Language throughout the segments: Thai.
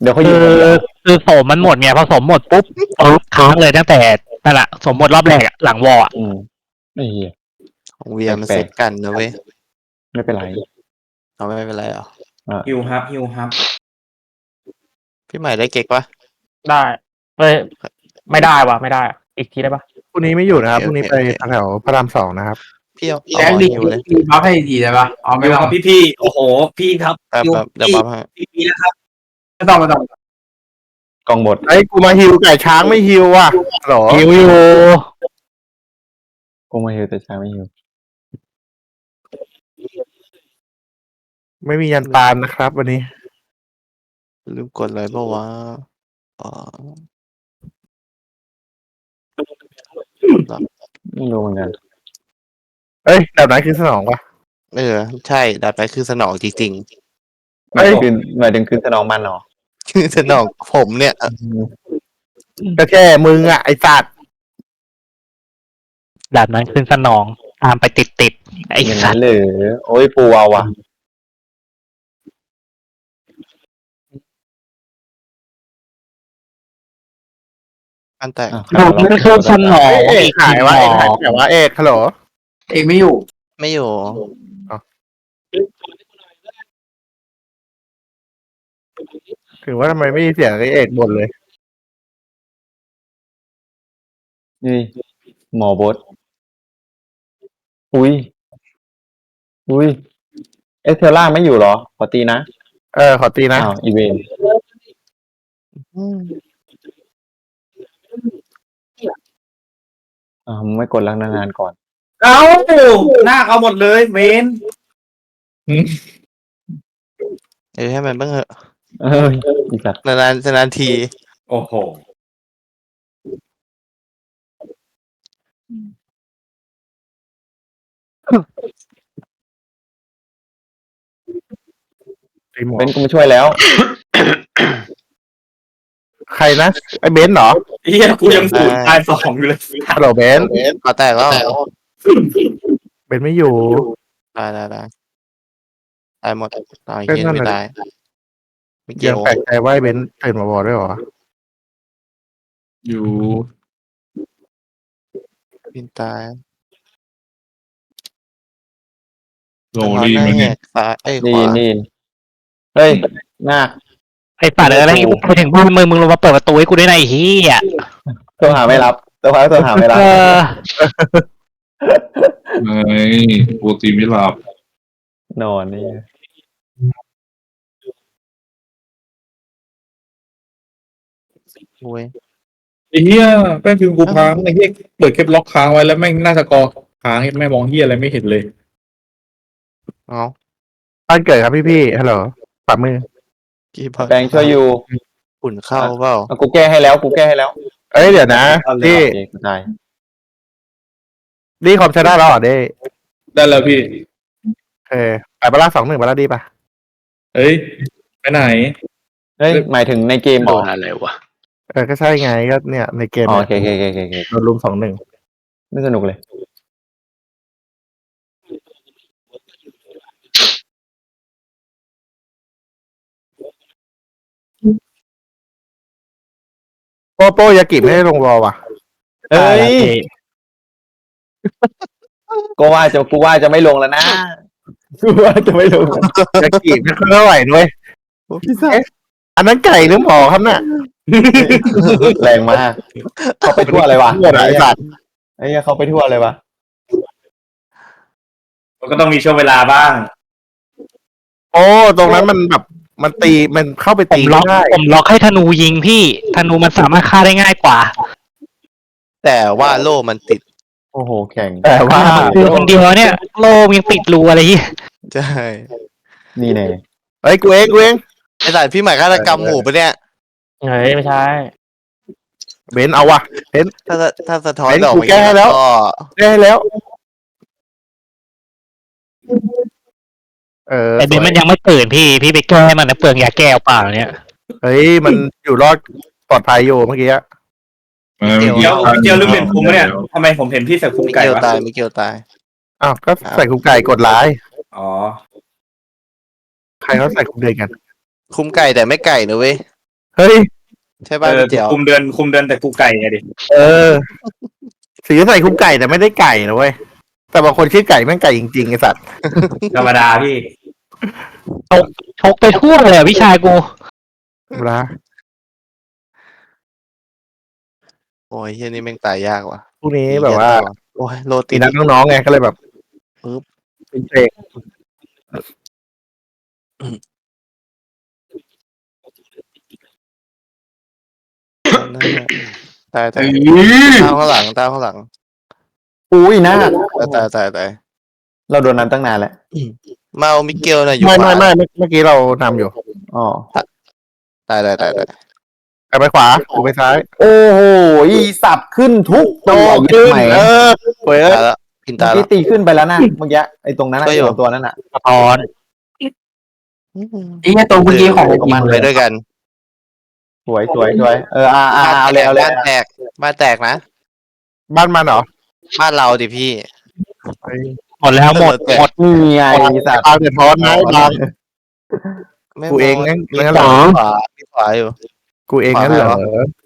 เดี๋ยวเขาอคือยู่คนเดียวคือโสมมันหมดไงพอโสมหมดปุ๊บค้างเลยตั้งแต่นั่นแหละสมหมดรอบแรกอะหลังวอลอะไอ้เหี้ยของเวียมันแปลเซ็กตกันนะเว้ยไม่เป็นไรเอาไม่เป็นไรหรอฮิวฮับพี่ใหม่ได้เก๊กปะได้เอ้ยไม่ได้วะไม่ได้อะอีกทีได้ปะพรุ่งนี้ไม่อยู่นะครับโอเคพรุ่งนี้ไปโอเคแถวพระราม2นะครับพี่เอาแจ็คหมอดีฮิวเลยดีบัฟให้ทีได้ปะอ๋อไม่ฮิวต้อคงรับพี่โอ้โหพี่ครับแป๊บฮิวเดี๋ยวปั๊บให้พี่นะครับไม่ต้องกองบทไอ้กูมาฮิวไก่ช้างไม่ฮิวอ่ะหรอหิวอยู่กูมาฮิวแต่ช้าไม่ฮิวไม่มียันตามนะครับ วันนี้ลืมกดเลยเปล่าวะอ๋อไม่รู้เหมือนกันเอ้ยแบบไหนคือสนองวะใช่ดัดไปคือสนองจริงหมายถึงคืนสนองมันเหรอๆ คือสนองผมเนี่ยก็แค่มึงอ่ะไอ้สัตว์แบบนั้นขึ้นสนองตามไปติดไอ้อย่างสันั้ตนว์เลยโอ้ยปูเอาว่ะอันแตกอ่ะแบบนั้นขึ้นสนองเอ้ยเอกอีกหายวะเอกหายแต่ว่าเอกฮัลโหลเอกไม่อยู่ไม่อยู่ถึงว่าทำไมไม่มีเสียงไอ้เอกบ่นเลยนี่หมอบดอุ้ยเอสเทล่าไม่อยู่เหรอ ขอตีนะขอตีนะอ้าวอีเวน มึงไม่กดลังนานๆก่อนเอาหน้าเอาหมดเลยเวนให้มันบ้างเหอะเอออีสัตว์นานทีโอ้โหตีหมอเบนกูมาช่วยแล้วใครนะไอ้เบนซ์เหรอเฮียกูยังศูนย์ตาย2อยู่เลยฮัลโหลเบนซ์ก็แตกแล้วเบนซ์ไม่อยู่ได้ตายหมดตายก็เฮียนั่นไม่น่ะได้ไม่เกี่ยัยงวแปลกใจว่าไอ้เบนซ์ตื่นมาบอกด้วยเหรออยู่พินตายโรดีหไหมน้าแหเนี่ยกซ้ายขนี่วานี่เฮ้ยนาคไอ้สัตว์อะไรไปถึงบ้านมึงลงมาเปิดประตูให้กูได้ไงไอ้เฮียตัวหาไม่รับตัวหาไม่รับไม่ปกติไม่หลับนอนนี่โว้ยไอ้เหี้ยแม่งคือกูค้างไอ้เหี้ยเปิดแคปล็อกค้างไว้แล้วแม่งหน้าสกอร์ค้างแม่งมองเหี้ยอะไรไม่เห็นเลยเอาบ้านเกิดครับพี่ฮัลโหลฝ่ามือกี่บอลแปลงช่วยอยู่อุ่นเข้าเปล่ากูแก้ให้แล้วกูแก้ให้แล้วเอ้ยเดี๋ยวนะนี่โอเคกูตายนี่คอมใช้ได้แล้วเหรอเด้ได้แล้วพี่ไปบาร่า2-1บาร่าดีป่ะเอ้ยไปไหนเฮ้ยหมายถึงในเกมเหรโดอนอะไรวะก็ใช่ไงก็เนี่ยในเกมอ๋อเนี่ยโอเคโดนลุม2-1 ไม่สนุกเลยโป้ยากิไม่ได้ลงวอลว่ะเฮ้ยกูว่าจะไม่ลงแล้วนะกูว่าจะไม่ลงยากิไม่ค่อยเท่าไหร่ด้วยพี่ซ่าอันนั้นไก่หรือหมอครับน่ะแรงมาก เขาไปทั่วเลยวะทั่วเลยไอ้สัตว์ไอ้เหี้ยเขาไปทั่วเลยวะมันก็ต้องมีช่วงเวลาบ้างโอ้ตรงนั้นมันแบบมันตีมันเข้าไปผตีมล็ไม่อกได้ผมล็อกให้ธนูยิงพี่ธนูมันสามารถฆ่าได้ง่ายกว่าแต่ว่าโล่มันติดโอ้โหแข่งแต่ว่าคือคนเดียวเนี่ยโลมยังติดรูอะไรที่ใช่นี่แน่เฮ้ยกูเองไอ้สายพี่ใหม่ฆาตกรรมหมู่ปะเนี่ยเฮ้ยไม่ใช่เบนเอาว่ะถ้าสะท้อนเฮ้ยดอกกูแก้ให้แล้วก็ได้แล้วไอ้เบนมันยังไม่ตื่นพี่ไปแก้มันนะเปลืองยาแก้วเปล่าเนี่ยเฮ้ยมันอยู่รอดปลอดภัยอยู่เมื่อกี้เจียวลืมเปลี่ยนคุมเนี่ยทำไมผมเห็นพี่ใส่คุมมิไก่เกลวะตายมิเกลตายอ้าวก็ใส่คุกไก่กดไลน์อ๋อใครเขาใส่คุกเดือนกันคุมไก่แต่ไม่ไก่นะเว้ยเฮ้ยใช่ป่ะพี่เจียวคุมเดือนแต่กูไก่ไงดิเออสีใส่คุกไก่แต่ไม่ได้ไก่นะเว้ยแต่บางคนชื่อไก่แม่งไก่จริงๆไอ้สัตว์ธรรมดาพี่ชกไปทั่วเลยอะพี่ชายกูเวลาโอ้ยเฮียนี่แม่งตายยากว่ะพวกนี้แบบว่าโอ้ยโรตีตีนัดน้องๆไงก็เลยแบบปึ๊บเป็นเพลงตายเออตามข้างหลังตามข้างหลังอุ้ยหน้าตายเราโดนนั้นตั้งนานแล้วมาเอามิเกลน่ะอยู่ไม่ขวาเมื่อกี้เรานำอยู่อ๋อตายกลับไปขวากูไปซ้ายโอ้โหอีสับขึ้นทุกโตตัวขึ้นใหม่เว้ยตายแล้วพินตายแล้ที่วตีขึ้นไปแล้วนะเมื่อกี้ไอ้ตรงนั้นก็อยู่ไอ้ตัวนั้นน่ะสะท้อนไอ้เหี้ยตัวเมื่อกี้ของมันไปด้วยกันสวยเอาเลยบ้านแตกบ้านแตกนะบ้านมันเหรอบ้านเราดิพี่หมดแล้วหมดนี่ไงอีสับตามเดือดร้อนนะบางไม่กูเองงั้นมีงั้นเหรอขวาอยู่กูเองงั้นเหรอ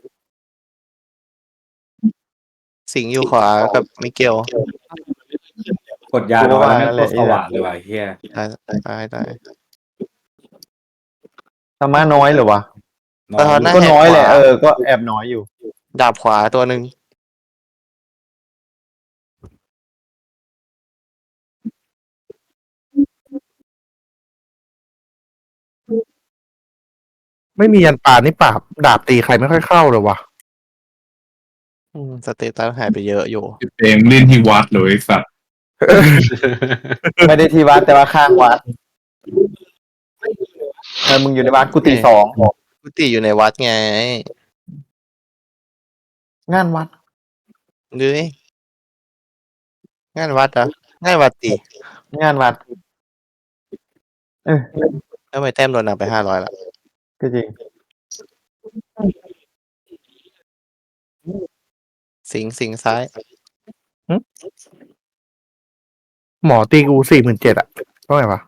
สิงห์อยู่ขวากับมิเกลกดยาน้อยแล้วไม่กดสว่างเลยว่ะเฮียตายธรรมะน้อยเหรอวะเออน่าก็น้อยแหละแหกขวาก็แอบน้อยอยู่ดาบขวาตัวหนึ่งไม่มียันป่านี่ปราบดาบตีใครไม่ค่อยเข้าเลยวะสเตตัสหายไปเยอะอยู่เต็มเล่นที่วัดเลยสัตว์ไม่ได้ที่วัดแต่ว่าข้างวัดมึงอยู่ในวัดกูตีสองกุฏิอยู่ในวัดไงงานวัดดูดิงานวัดเหรองานวัดตีงานวัดแล้วทำไมแต้มโดนนำไป500ละก็จริงสิงห์ซ้ายหมอตีกู47,000อะเท่าไหร่วะ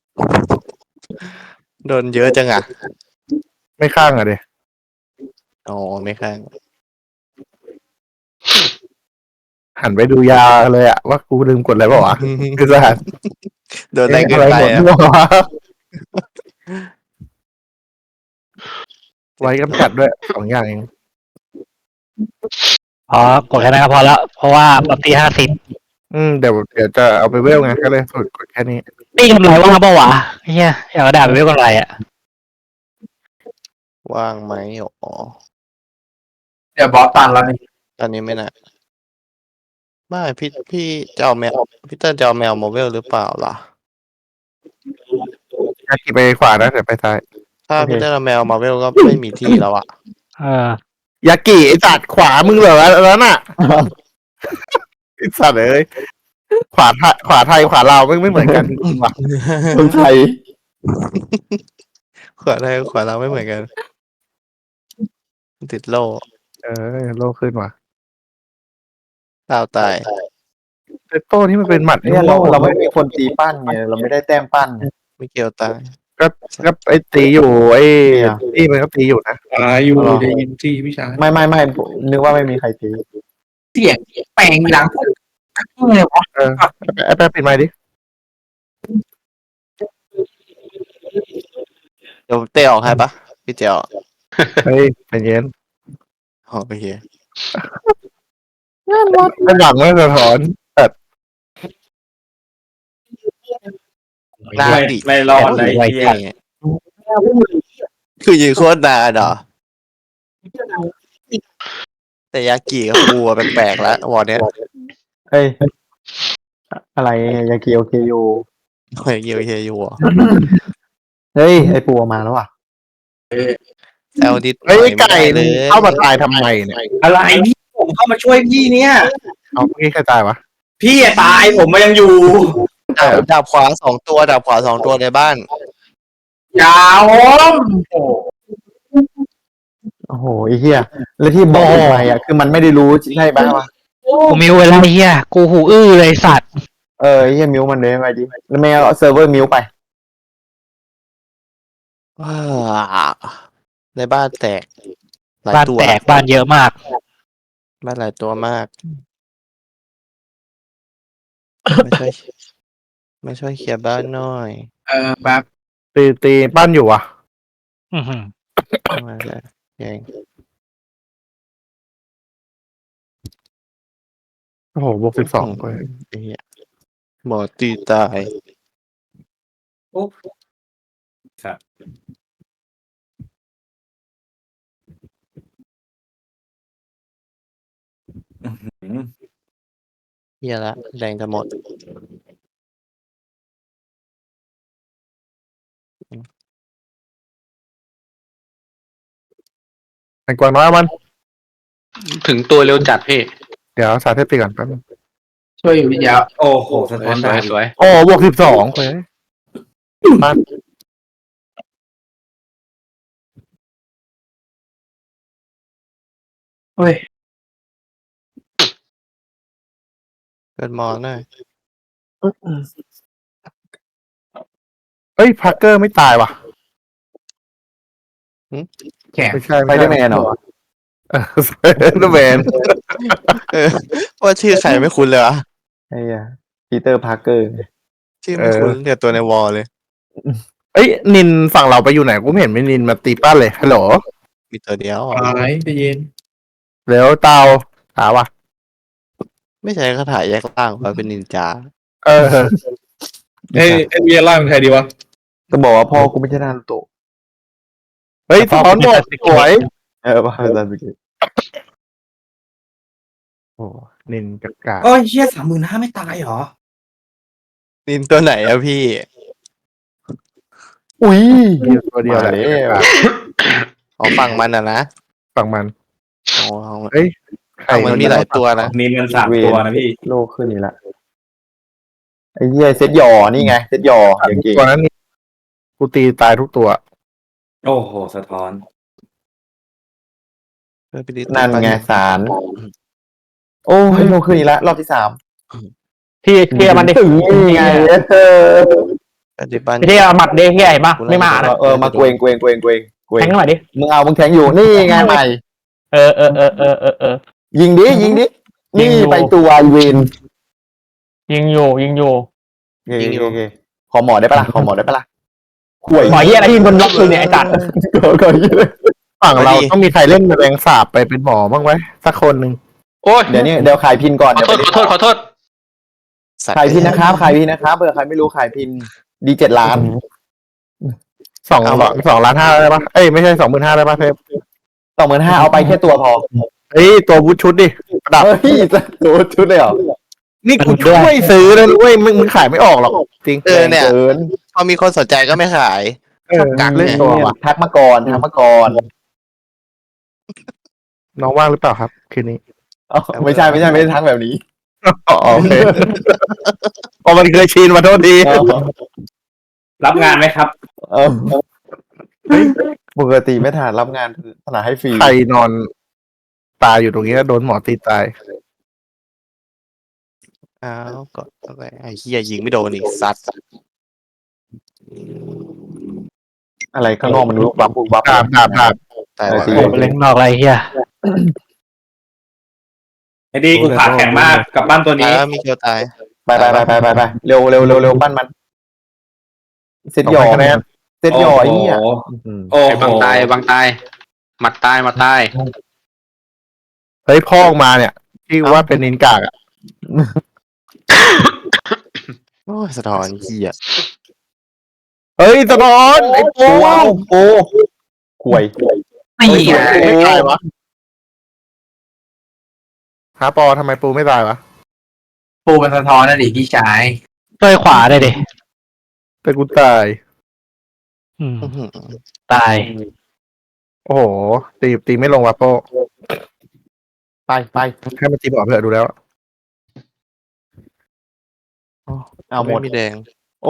โดนเยอะจังอ่ะไม่ข้างอะเดอ๋อไม่ข้างหันไปดูยาเลยอะว่ากูลืมกดอะไรเปล่าวะคือสหัสโดนแรงเกินอะไรไปหมดอ่ะมั่ววะไว้กำจัดด้วย2อย่างเองพอกดแค่นั้นก็พอแล้ว เพราะว่าปกติ50 เดี๋ยวจะเอาไปเวลไงก็เลยฝึกกดแค่นี้นี่กำไรว่างเปล่าวะเฮียอยากกระดาษไปเรียกกำไรอ่ะว่างไหมอ๋อเดี๋ยวบอสตันแล้วนี่ตอนนี้ไม่น่ะไม่พี่จะเอาแมวพี่เติ้ลจะเอาแมวโมเวลหรือเปล่าล่ะยากิไปขวานะเดี๋ยวไปซ้ายถ้าพี่เติ้ลเอาแมวมาเวลก็ไม่มีที่แล้วอ่ะเออยากิไอสัตว์ขวามึงเหรอแล้วน่ะ ไอสัตว์เอ้ยขวาไทยขวาลาวไม่เหมือนกันจริงว่ะคนไทยขวาไทยขวาเราไม่เหมือนกัน ติดโล่โลขึ้นว่ะดาวตายเตโต้นี่มันเป็นหมัดเนี่ยเราไม่มีคนตีปั้นไงเราไม่ได้แต้มปั้นไม่เกี่ยวตายก็ไอตีอยู่ไอ้ตีมันก็ตีอยู่นะตายอยู่ได้ยินที่พี่ชายไม่นึกว่าไม่มีใครตีเสียงแปลงหลังเลยวะไอ้แป๊บปิดไมค์ดิเดี๋ยวเตะออกให้ปะพี่เจียวเฮ้ยใจเย็นอ๋อโอเคด้านหลังไม่สะท้อนหน้าดิไม่รอดเลยไอ้เฮียเหี้ยคือยืนโคตรนานเหรอแต่ยากิกับกูอะแปลกๆแล้ววอร์เนี้ยเฮ้ยอะไรยากิโอเคอยู่เฮ้ยเยียวเฮียอยู่อ่ะเฮ้ยไอปูมาแล้วว่ะแซวดิดเฮ้ยไอ้ไก่เลยเข้ามาตายทำไมเนี่ยอะไรพี่ผมเข้ามาช่วยพี่เนี่ยเอาเมื่อกี้ใครตายวะพี่อะตายผมมันยังอยู่ดาบขวา2 ตัวดาบขวา2 ตัวในบ้านยาวมโอ้โหไอ้เหี้ยแล้วที่บอกไปอ่ะคือมันไม่ได้รู้ใช่ป่ะวะกูมิวเวลาเฮียกูหูอื้อเลยสัตว์ไอ้เหี้ยมิวมันเลยไปดิแล้วไม่เอาเซิร์ฟเวอร์มิวไปว้าในบ้านแตกหลายบ้านตัวแตกบ้านเยอะมากบ้านหลายตัวมาก ไม่ช่วยไม่ช่วยเคลียร์บ้านหน่อยแบบตีปั้นอยู่อ่ะอือหือมาแล้วเองโอ้โหบวก12ไปไอ้เหี้ยหมอตีตายครับเหี้ยละแรงจะหมดไอ้กวางน้อยเอามันถึงตัวเร็วจัดพี่เดี๋ยวสาธิตตีก่อนแป๊บนึงช่วยอยู่พี่ยาวโอ้โหสะสท้อนวยดาวสวยโอ้บวก12ไปปั้นเฮ้ยเกิดหมอหน่อยเอ้ยพักเกอร์ไม่ตายว่ะแข่งไม่ใช่ไปได้แมนเหรอสไปเดอร์แมนเออว่าชื่อใครไม่คุ้นเลยวะไอ้เหี้ยปีเตอร์พาร์เกอร์ชื่อไม่คุ้นเดี๋ยวตัวในวอลเลยเอ้ยนินฝั่งเราไปอยู่ไหนกูไม่เห็นมีนินมาตีปั้นเลยฮัลโหลมีตัวเดียวหายใจเย็นเร็วเตาหาว่ะไม่ใช่คาถาแยกล่างว่าเป็นนินจาเออเอ้ยเวียร่างเป็นใครดีวะจะบอกว่าพ่อกูไม่ใช่นารูโตะเฮ้ยสะท้อนหมดสวยพ่อเป็นซาสึเกะโอ้นินกากาโอ้ยเชี่ย35,000ไม่ตายเหรอนินตัวไหนอะพี่อุ้ยตัวเดียวแหละมาแล้วอ๋อฝั่งมันอะนะฝั่งมันอ๋อเฮ้ยใครฝั่งมันมีหลายตัวนะนี่มัน3 ตัวนะพี่โลกขึ้นนี่ละไอ้เหี้ยเซตหยอนี่ไงเซตหยออย่างเก่งตัวนั้นนี่กูตีตายทุกตัวโอ้โหสะท้อนนั่นไงสารโอ้ยโลกขึ้นนี่ละรอบที่3 ที่มันดิถึงนี่ไงปฏิบัติที่เอาหมัดเด้ที่ใหญ่ปะไม่มานะมาเกวงแทงหน่อยดิมึงเอามึงแทงอยู่นี่ไงใหม่เออยิงดินี่ไปตัวเวนยิงอยู่โอเคขอหมอได้ปะล่ะข่วยหมอเหี้ยอะไรที่บนล็อกคือเนี่ยไอ้จัดก็ยิงเลยฝั่งเราต้องมีใครเล่นแรงสาบไปเป็นหมอบ้างไหมสักคนหนึ่งโอ้ยเดี๋ยวขายพินก่อนขอโทษสัตว์ขายพินนะครับเผื่อใครไม่รู้ขายพินดี7 ล้าน 2 ล้าน 5ได้ปะเอ้ยไม่ใช่25,000ได้ปะเทป 25,000เอาไปแค่ตัวพอเฮ้ยตัวบูทชุดดิประดับเฮ้ยตัวชุดเลยเหรอนี่กูช่วยซื้อแล้วเว้ยมึงขายไม่ออกหรอกจริงเนี่ยเกินพอมีคนสนใจก็ไม่ขายกักเล่นตัวว่ะทักมาก่อนน้องว่างหรือเปล่าครับคืนนี้ไม่ใช่ไม่ได้ทักแบบนี้อ๋อโอเคพอมันเคยชินมาโทษทีรับงานไหมครับเออปกติไม่ถนัดรับงานถนัดให้ฟรีใครนอนตายอยู่ตรงนี้แล้วโดนหมอตีตายอ้าวก็อะไรไอ้เหี้ยยิงไม่โดนอีกสัตว์อะไรข้างนอกมันลุกบุบวับดาบตายว่ะจริงเล่นนอกอะไรเฮียไอ้ดีกูขาแข็งมากกับบ้านตัวนี้มีเกียวตายไปเร็วปั้นมันเซตหยอไอ้เนี่ยโอ้ไอ้โหบางตายหมัดตายเฮ้ยพ่อออกมาเนี่ยที่ว่าเป็นนินกากอะโอ้ยสะท้อนเหี้ยเฮ้ยสะท้อนไอ้ปูโอ้ข่วยไม่เหี้ยไม่ตายวะหาปอทำไมปูไม่ตายวะปูมันสะท้อนนะดิพี่ชายช่วยขวาได้ดิเป็นกูตายอืมอื้อหือตายโอ้โหตีไม่ลงว่ะโปไปให้มันตีบอกเถอะดูแล้วเอาหมดไม่มีแดงโอ้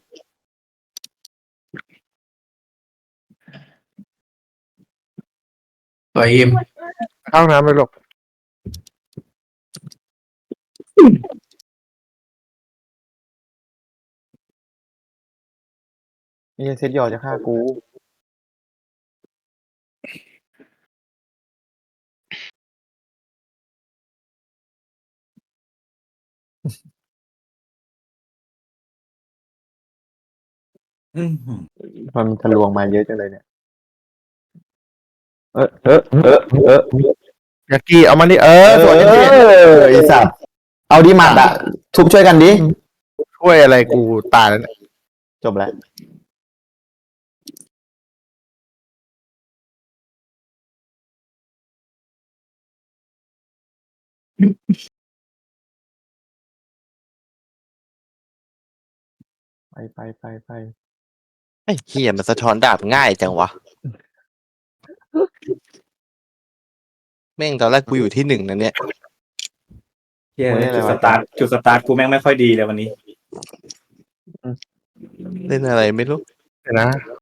สวยอิมเข้าน้ำไปหลบนี่เซตหยอจะฆ่ากูมันทะลวงมาเยอะจังเลยเนี่ยเออยากี้เอามานี่สวยไอสัตว์เอาดิหมัดอะทุบช่วยกันดิช่วยอะไรกูตายแล้วเนี่ยจบแล้วไปไอ้เฮียมันสะท้อนดาบง่ายจังวะแม่งตอนแรกกูอยู่ที่หนึ่งนะเนี่ยเหี้ยจุดสตาร์ทกูแม่งไม่ค่อยดีเลยวันนี้เล่นอะไรไม่รู้เดี๋ยวนะ